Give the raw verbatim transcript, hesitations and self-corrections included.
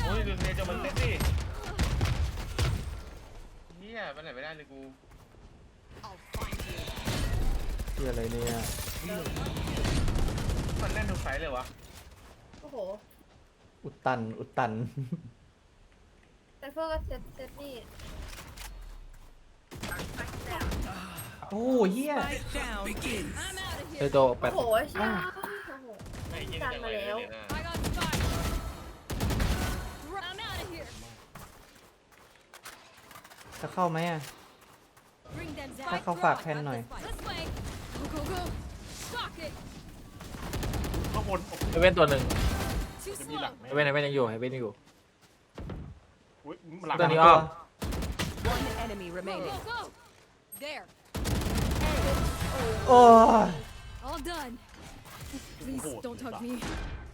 อ้ยดูเนี่ยจะมันเซ็ตดิเฮียไปไหนไม่ได้เลยกูที่อะไรเนี่ยมันแน่นทุกไฟเลยวะโอ้โหอุดตันอุดตันไซเฟอร์ก็เซตเซตนี่โอ้เฮีย Spike down. Begin. เดโดแปโอ้ดโหใช่โอ้โหไอ้เหี้ยดันจังมาเลยแล้วเลยนะ I got spike. I'm out of here. จะเข้าไหมอ่ะ Bring them ถ้า down. เขาฝากแทนหน่อย This way. Go go go. Stock it. ข้างบนเฮเว่นตัวหนึ่ง Too จะมีหลัง slow. ไหมเฮเว่นเฮเว่นยังอยู่เฮเว่นยังอยู่อุ้ยหลังตัวนี้อ้อม One enemy Go remaining. go go. There. โอ้ย All done. Please don't hug me.